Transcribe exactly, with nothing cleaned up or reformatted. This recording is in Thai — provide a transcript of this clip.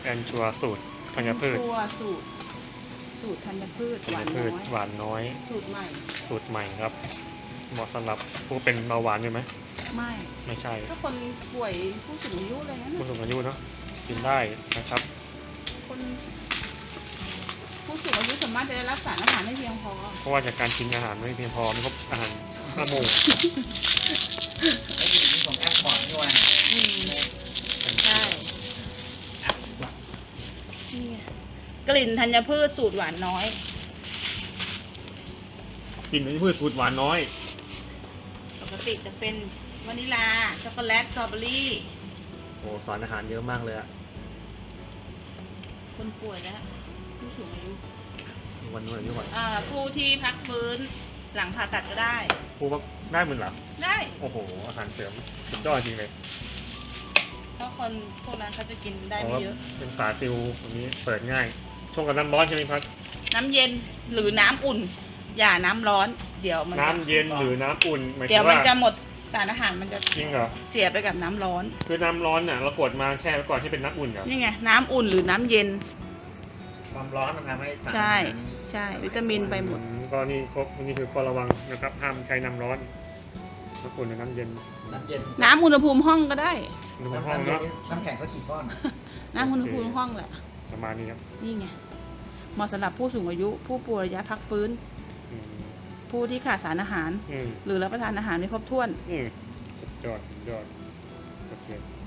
แอนชัวสูตรธัญพืชชัวร์สูตรสูตรธัญพืชธัหญวานพืน้ชอยหวานน้อยสูตรใหม่สูตรใหม่ครับเหมาะสำหรับผู้เป็นเบาหวานอยู่ไหมไม่ไม่ใช่ก็คนป่วยผู้สูงอายุอะไรนั้นผู้น่ะสูงอายุเนาะกินได้นะครับคนผู้สูงอายุสามารถจะได้รับสารอาหารได้เพียงพอเพราะว่าจากการกินอาหารไม่เพียงพอไม่ครบอาหารห้าหมู่ไอ้ที่ของแอปบอร์ดนี่ว่าอืมใช่นี่ไงกลิ่นธัญพืชสูตรหวานน้อยกินธัญพืชสูตรหวานน้อยปกติจะเป็นวานิลาช็อกโกแลตสตรอเบอรี่โอ้สารอาหารเยอะมากเลยอะคนป่วยและผู้สูงอายุวันนู้นอายุก่อนอ่าผู้ที่พักฟื้นหลังผ่าตัดก็ได้ผู้ว่าได้เหมือนเหรอได้โอ้โหอาหารเสริมสุดยอดจริงเลยเพราะคนพวกนั้นเขาจะกินได้เพไม่ราะว่าเยอะเป็นฝาซิลตรงนี้เปิดง่ายชงกับน้ำร้อนใช่ไหมครับน้ำเย็นหรือน้ำอุ่น อย่าน้ำร้อน เดี๋ยวมันจะน้ำเย็นหรือน้ำอุ่นหมายถึเดี๋ยวงมันว่าจะหมดสารอาหารมันจะจริงเหรอเสียไปกับน้ำร้อนคือน้ำร้อนเนี่ยเรากดมาแช่ไว้ก่อนที่เป็นน้ำอุ่นเหรอนี่ไงน้ำอุ่นหรือน้ำเย็นความร้อนมันทำให้สารใช่ใช่วิตามินไปหมดอืก็นี่ครบนี่คือข้อระวังนะครับห้ามใช้น้ำร้อนน้ำอุ่นหรือน้ำเย็นน้ำเย็นน้ำอุณหภูมิห้องก็ได้อุณหภูมิน้ำห้องน้ำเย็นเนาะนี่น้ำแข็งก็กี่ก้อนน้ำอุณหภูมิห้องแหละประมาณนี้ครับนี่ไงเหมาะสำหรับผู้สูงอายุ ผู้ป่วยระยะพักฟื้นอืมผู้ที่ขาดสารอาหารอืมหรือรับประทานอาหารไม่ครบถ้วนอืมสุดยอดสุดยอดโอเค